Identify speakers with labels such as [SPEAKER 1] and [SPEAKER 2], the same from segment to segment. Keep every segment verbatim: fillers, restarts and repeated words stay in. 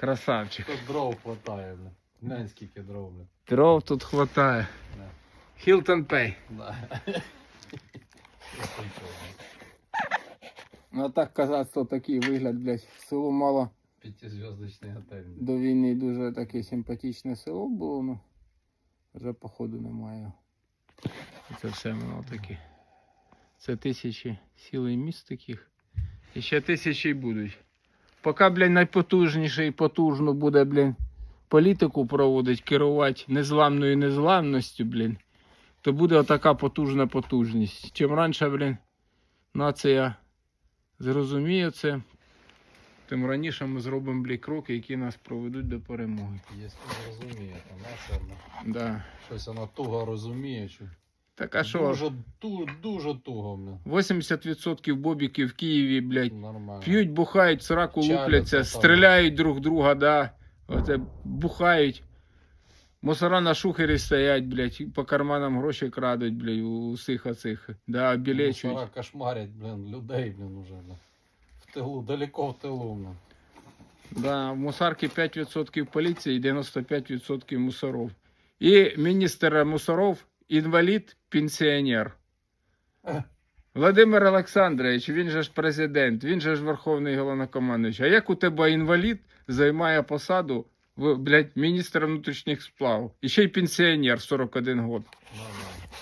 [SPEAKER 1] Красавчик.
[SPEAKER 2] Тут дров хватає, бля. Глянь, скільки дров, бля.
[SPEAKER 1] Дров тут хватає.
[SPEAKER 2] Да.
[SPEAKER 1] Hilton Pay.
[SPEAKER 2] Да.
[SPEAKER 1] Ну а так казацтво такий вигляд, блядь. Село мало
[SPEAKER 2] П'ятизв'язочний готель.
[SPEAKER 1] до війни дуже таке симпатичне село було, ну вже походу немає. Це все воно таке. Це тисячі сіл і міст таких. І ще тисячі й будуть. Поки, блядь, найпотужніше і потужно буде, блядь, політику проводить, керувати незламною незламністю, блядь, то буде отака потужна потужність. Чим раніше, блядь, нація зрозуміє це, тим раніше ми зробимо, блядь, кроки, які нас проведуть до перемоги.
[SPEAKER 2] Якщо розуміє, то наша, бля.
[SPEAKER 1] Да.
[SPEAKER 2] Щось вона туго розуміє, що...
[SPEAKER 1] Так а що?
[SPEAKER 2] Дуже, ту, дуже туго, бля.
[SPEAKER 1] вісімдесят відсотків бобіків в Києві, блядь,
[SPEAKER 2] Нормально.
[SPEAKER 1] п'ють, бухають, сраку
[SPEAKER 2] Чаляться
[SPEAKER 1] лупляться,
[SPEAKER 2] там.
[SPEAKER 1] стріляють друг друга, да. Оце бухають. Мусора на шухері стоять, блядь, по карманам гроші крадуть, блядь, у усіх оцих. Да, обілечують.
[SPEAKER 2] Мусора кошмарять, блін, людей, блін, уже, бля. В тилу, далеко в тилу, бля.
[SPEAKER 1] Да, в мусарки п'ять відсотків поліції і дев'яносто п'ять відсотків мусоров. І міністр мусоров інвалід, пенсіонер. Володимир Олександрович, він же ж президент, він же ж верховний головнокомандуючий. А як у тебе інвалід займає посаду, в, блядь, міністра внутрішніх справ? І ще й пенсіонер сорок один год.
[SPEAKER 2] Да, да.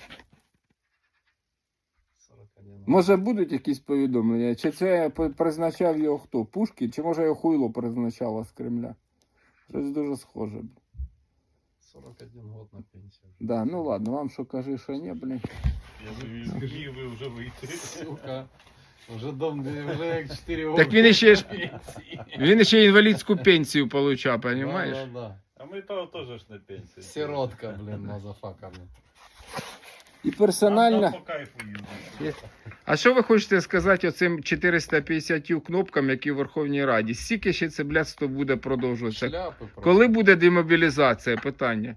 [SPEAKER 2] сорок один.
[SPEAKER 1] Може будуть якісь повідомлення? Чи це призначав його хто? Пушкін? Чи може його хуйло призначало з Кремля? Щось дуже схоже.
[SPEAKER 2] сорок один год на пенсію.
[SPEAKER 1] Да, ну ладно, вам що кажи, що ні, блін.
[SPEAKER 3] Я тобі скажи, ви вже вийти.
[SPEAKER 2] Сука. Вже дом, вже як чотири роки.
[SPEAKER 1] Так він ще ж, він ще інвалідську пенсію получав, розумієш?
[SPEAKER 2] Да, да, да.
[SPEAKER 3] А ми то теж ж на пенсії.
[SPEAKER 2] Сиротка, блін, мазафака, блін.
[SPEAKER 1] І персонально...
[SPEAKER 3] Нам по кайфу їздити.
[SPEAKER 1] А що ви хочете сказати оцим чотириста п'ятдесят кнопкам, які в Верховній Раді? Скільки ще це блядство буде продовжуватися?
[SPEAKER 2] Шляпи просто.
[SPEAKER 1] Коли буде демобілізація? Питання.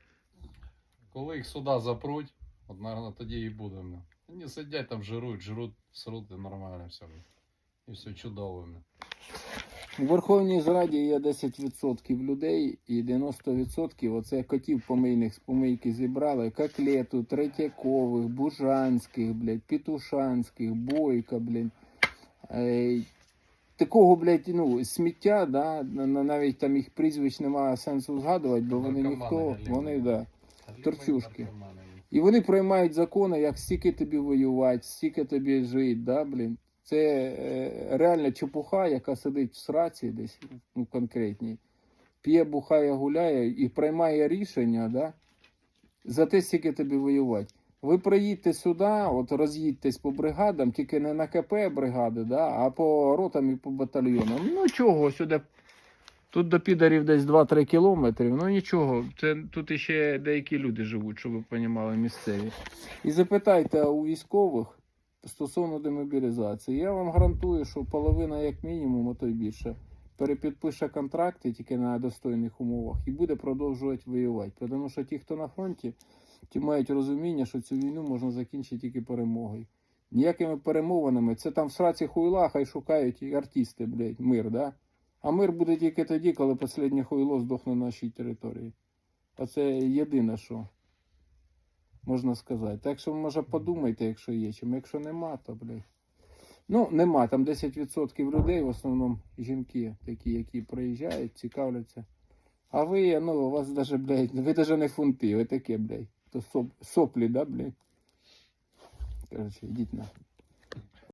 [SPEAKER 2] Коли їх сюди запруть, от, наверное, тоді і буде. бля. Вони сидять там, жирують, жруть, сруть, і нормально все. бля. І все чудово. бля.
[SPEAKER 1] У Верховній Раді є десять відсотків людей і дев'яносто відсотків оце котів помийних з помийки зібрали. Коклету, Третьякових, Бужанських, блядь, Петушанських, Бойка, блядь. Е, такого, блядь, ну, сміття, да, на- навіть там їх прізвищ немає сенсу згадувати, бо вони
[SPEAKER 2] Наркомани
[SPEAKER 1] ніхто,
[SPEAKER 2] галімі.
[SPEAKER 1] вони, да.
[SPEAKER 2] Галімий
[SPEAKER 1] Торчушки.
[SPEAKER 2] наркоман.
[SPEAKER 1] І вони приймають закони, як стільки тобі воювати, стільки тобі жити, да, блін. Це е, реальна чепуха, яка сидить в сраці десь, ну, конкретній, п'є, бухає, гуляє і приймає рішення, да, за те, стільки тобі воювати. Ви приїдьте сюди, от роз'їдьтесь по бригадам, тільки не на КП бригади, да, а по ротам і по батальйонам. Ну чого, сюди, тут до підарів десь два-три кілометри, ну нічого, це, тут іще деякі люди живуть, щоб ви розуміли, місцеві. І запитайте у військових стосовно демобілізації. Я вам гарантую, що половина, як мінімум, а то й більше, перепідпише контракти тільки на достойних умовах і буде продовжувати воювати. Тому що ті, хто на фронті, ті мають розуміння, що цю війну можна закінчити тільки перемогою. Ніякими перемовинами, це там в сраці хуйла, хай шукають і артисти, блядь, мир, да? А мир буде тільки тоді, коли останнє хуйло здохне на нашій території. Оце єдине, що можна сказати. Так що, може, подумайте, якщо є чим. Якщо нема, то, блядь. Ну, нема. Там десять відсотків людей, в основному жінки, такі, які приїжджають, цікавляться. А ви, ну, у вас даже, блядь, ви даже не фунти, ви таке, блядь. То соп, соплі, да, блядь? Короче, йдіть на.